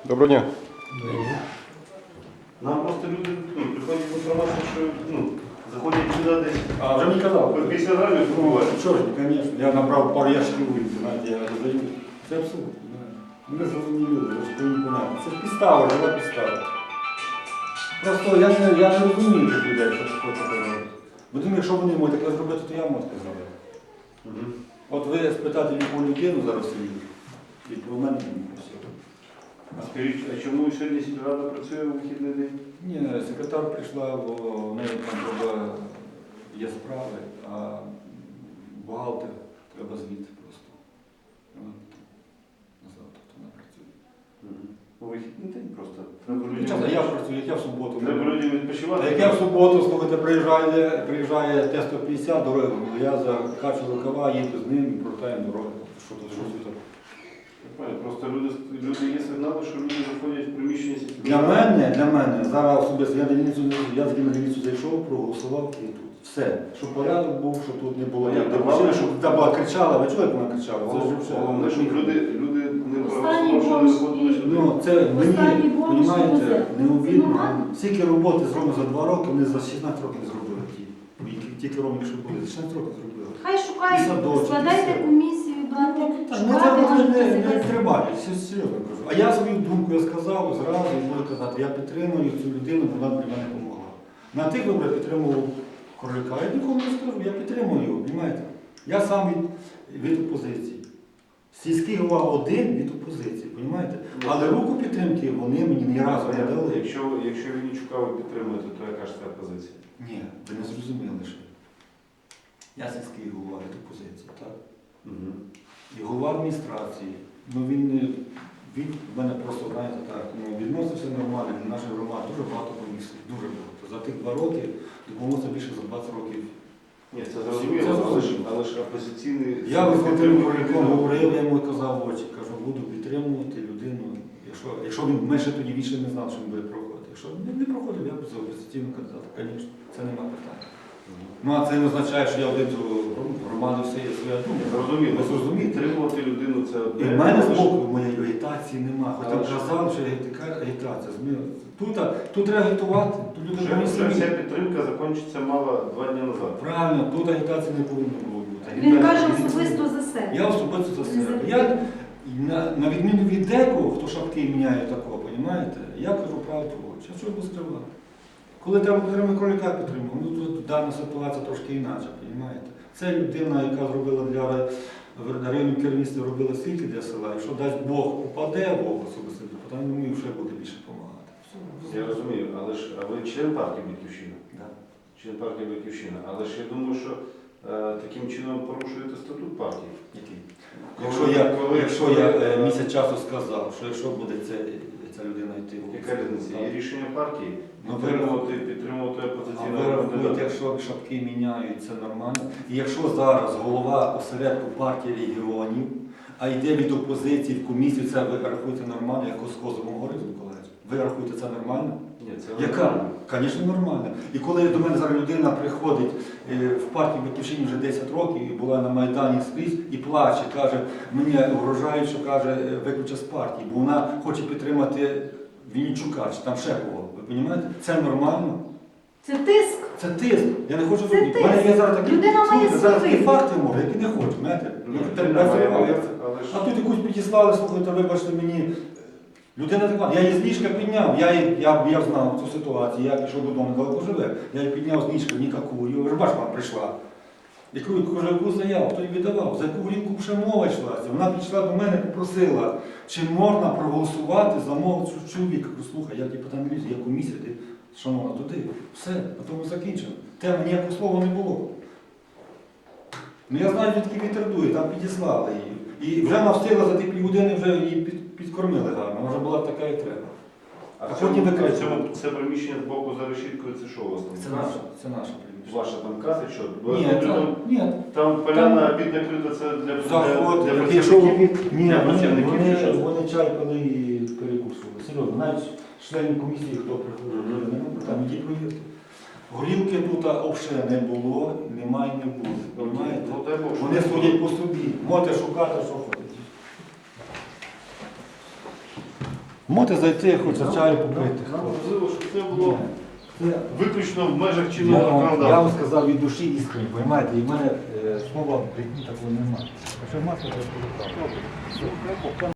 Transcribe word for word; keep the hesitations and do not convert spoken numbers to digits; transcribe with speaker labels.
Speaker 1: Доброго дня.
Speaker 2: Нам просто люди ну, приходять інформація, що ну, заходять сюди десь.
Speaker 3: А, вже мені казав.
Speaker 2: По п'ятдесят грамів
Speaker 3: Ну,
Speaker 2: купувати.
Speaker 3: чого ж, звісно. Я набрав пару ящиків вулиці, знаєте, я додаю. Це абсурд. Ми розумні люди, ви ж повинні понятно. Це ж підстава, жива підстава. Просто я не, я не розумію тих людей, що хочуть робити. Бо думаю, якщо вони можуть таке зробити, то я можу таке зробити.
Speaker 2: Угу.
Speaker 3: От ви спитаєте любу людину зараз собі, і про мене не все.
Speaker 2: А скажіть, а чому сьогодні сільрада працює у вихідний день?
Speaker 3: Ні, секретар прийшла, бо в неї там треба є справи, а бухгалтер треба звідти просто. Завтра вона працює.
Speaker 2: Угу. У вихідний день просто. Треба
Speaker 3: Ну, чесно, я працюю, як я в суботу.
Speaker 2: Треба людям
Speaker 3: Та
Speaker 2: відпочивати.
Speaker 3: як я в суботу, слухайте, приїжджає, приїжджає Т сто п'ятдесят дороги, я закачу рукава, їду з ним і повертаємо дорогу. Що тут, що тут?
Speaker 2: Просто люди, люди є сигнали, що люди заходять в приміщення сільської
Speaker 3: Для
Speaker 2: ради.
Speaker 3: мене, для мене, зараз особисто, я, дільницю, я з дільницю зайшов, проголосував і тут. Все. Щоб порядок був, щоб тут не було
Speaker 2: Понятно,
Speaker 3: як
Speaker 2: головне,
Speaker 3: щоб та була кричала, ви чули, як вона кричала? Це ж все.
Speaker 2: Головне, щоб люди, люди не
Speaker 4: Останній
Speaker 2: проголосували, що не
Speaker 4: бомж
Speaker 2: виходили сюди.
Speaker 3: Ну, це
Speaker 4: Останній
Speaker 3: мені,
Speaker 4: бонус
Speaker 3: розумієте,
Speaker 4: буде.
Speaker 3: необідно.
Speaker 4: Ну,
Speaker 3: Скільки роботи зроблено за два роки, вони за шістнадцять років не зробили ті. Які- Ті керівники, що були, за шістнадцять років зробили.
Speaker 4: Хай
Speaker 3: І
Speaker 4: шукають,
Speaker 3: садочок, і
Speaker 4: складайте
Speaker 3: все.
Speaker 4: комісію, будете
Speaker 3: Так, ну
Speaker 4: шукати,
Speaker 3: це
Speaker 4: може,
Speaker 3: не,
Speaker 4: хтось
Speaker 3: не
Speaker 4: якась-
Speaker 3: тримає, все серйозно кажу. А я свою думку я сказав зразу і буду казати, я підтримую цю людину, бо вона для мене допомогла. На тих виборах підтримував Королюка, я нікому не скажу, я підтримую його, розумієте? Я сам від, від опозиції. Сільський голова один від опозиції, розумієте? Але руку підтримки вони мені ні разу не дали.
Speaker 2: Якщо, якщо Вінничука ви підтримуєте, то яка ж це позиція?
Speaker 3: Ні, ви не зрозуміли ще. Я сільський голова від опозиції, так?
Speaker 2: Угу.
Speaker 3: І голова адміністрації, ну він, не- він в мене просто, знаєте, так, ну, відносився нормально до нашої громади, дуже багато комісій, дуже багато. За тих два роки допомоглося більше за двадцять років.
Speaker 2: Ні, це
Speaker 3: Це
Speaker 2: зрозуміло, але ж,
Speaker 3: зрозуміло.
Speaker 2: але ж опозиційний...
Speaker 3: Я з Володимиром
Speaker 2: підтримує
Speaker 3: Корольком
Speaker 2: людину.
Speaker 3: говорив, я йому казав в очі, кажу, буду підтримувати людину. Якщо, якщо він, ми ще тоді більше не знав, що він буде проходити. Якщо він не проходив, я б за опозиційну кандидата, звісно, це нема питань. Ну а це не означає, що я один з громади все є своя думка.
Speaker 2: Зрозуміло.
Speaker 3: Ви зрозумієте?
Speaker 2: Підтримувати людину це
Speaker 3: І
Speaker 2: одне.
Speaker 3: в мене з
Speaker 2: але ж-
Speaker 3: боку моєї агітації нема. Хоч там
Speaker 2: Але ж-
Speaker 3: казали, що агітика- агітація. змі- Тут, а, тут треба агітувати, тут люди
Speaker 2: Вже,
Speaker 3: повинні
Speaker 2: вже
Speaker 3: самі.
Speaker 2: вся підтримка закінчиться мало два дні назад.
Speaker 3: Правильно, тут агітації не повинно було бути.
Speaker 4: Він
Speaker 3: Агітація
Speaker 4: каже
Speaker 3: від-
Speaker 4: особисто за себе.
Speaker 3: Я особисто за
Speaker 4: Не
Speaker 3: себе.
Speaker 4: за
Speaker 3: Я, на, на відміну від декого, хто шапки міняє такого, розумієте, я кажу правду в очі. А що його скривати? Коли треба підтримати Кролюка, підтримав. Ну тут дана ситуація трошки інакша, розумієте. Це людина, яка зробила для районного керівництва, робила стільки для села. Якщо дасть Бог упаде, Бог особисто, то там йому вже буде більше допомагати. Все.
Speaker 2: Я розумію, але ж а ви член партії Батьківщина?
Speaker 3: Да.
Speaker 2: Член партії Батьківщина. Але ж я думаю, що е, таким чином порушуєте статут партії.
Speaker 3: Який?
Speaker 2: Коли-
Speaker 3: Якщо я,
Speaker 2: коли-
Speaker 3: якщо
Speaker 2: коли-
Speaker 3: я е, місяць часу сказав, що якщо буде ця, ця людина йти в
Speaker 2: Яка різниця? Є рішення партії
Speaker 3: Ну, ви-
Speaker 2: підтримувати, підтримувати
Speaker 3: А
Speaker 2: опозиційного
Speaker 3: ви рахуєте,
Speaker 2: кандидата.
Speaker 3: якщо шапки міняють, це нормально. І якщо зараз голова осередку партії регіонів, а йде від опозиції в комісію, це ви рахуєте нормально, як з Козовим говорив Миколаївич? Ви рахуєте це нормально?
Speaker 2: Ні, це
Speaker 3: Яка? Звісно, нормально. І коли до мене зараз людина приходить е, в партію Батьківщині вже десять років і була на Майдані скрізь і плаче, каже, мене вражають, що каже, е, виключать з партії, бо вона хоче підтримати Вінничука, чи там ще кого. Ви розумієте? Це нормально.
Speaker 4: Це тиск.
Speaker 3: Це тиск. Я не хочу
Speaker 4: Це
Speaker 3: робити. У мене є зараз такі,
Speaker 4: Людина має
Speaker 3: слухайте, зараз такі
Speaker 4: свої.
Speaker 3: факти можу, які не хочу, знаєте.
Speaker 2: Ну,
Speaker 3: Я
Speaker 2: це
Speaker 3: тепер
Speaker 2: немає,
Speaker 3: не
Speaker 2: але-
Speaker 3: зриваюся.
Speaker 2: але ж-
Speaker 3: А тут якусь підіслали, слухайте, вибачте мені. Людина така, я її з ліжка підняв, я, її- я, я знав цю ситуацію, я пішов додому, далеко живе. Я її підняв з ліжка, нікакую, ви ж бачите, вона прийшла. Яку, кажу, яку заяву, хто їй віддавав, за яку горілку вже мова йшлася. Вона підійшла до мене, попросила, чи можна проголосувати за мого цю чоловіка. Кажу, слухай, я тобі питаю, я комісія, ти, шановна, туди. Все, на тому закінчено. Тема ніякого слова не було. Ну я знаю, звідки вітер дує, там підіслали її. І вже вона встигла за ті півгодини, вже її під, підкормили гарно, вона вже була така, як треба.
Speaker 2: А
Speaker 3: А
Speaker 2: в
Speaker 3: потім
Speaker 2: цьому, а в
Speaker 3: викричали.
Speaker 2: цьому це приміщення з боку за решіткою, це що у вас там?
Speaker 3: Це наша, це наша приміщення.
Speaker 2: Ваша там каса, що? Бо
Speaker 3: Ні,
Speaker 2: я
Speaker 3: там,
Speaker 2: там,
Speaker 3: ні,
Speaker 2: там поляна обід накрита, це для,
Speaker 3: заход,
Speaker 2: для, для
Speaker 3: як пішов
Speaker 2: працівників?
Speaker 3: обід, ні,
Speaker 2: Для
Speaker 3: вони,
Speaker 2: працівників чи
Speaker 3: вони,
Speaker 2: що?
Speaker 3: вони чай пили і перекусували. Серйозно, навіть членів комісії, хто приходив,
Speaker 2: Мгм.
Speaker 3: нема, там іді провірте. Горілки тут взагалі не було, немає і не буде. Понимаєте?
Speaker 2: Ну, дай Бог, що
Speaker 3: Вони
Speaker 2: не
Speaker 3: судять по собі. Можете шукати, що хочете. Можете зайти, хоча чаю попити.
Speaker 2: Можливо, щоб це було
Speaker 3: Це-
Speaker 2: виключно в межах
Speaker 3: Я
Speaker 2: чинного
Speaker 3: вам, я вам
Speaker 2: законодавства.
Speaker 3: сказав від душі іскренні, розумієте, і в мене е, слова в житті такого немає. Якщо масло, то я скажу правду.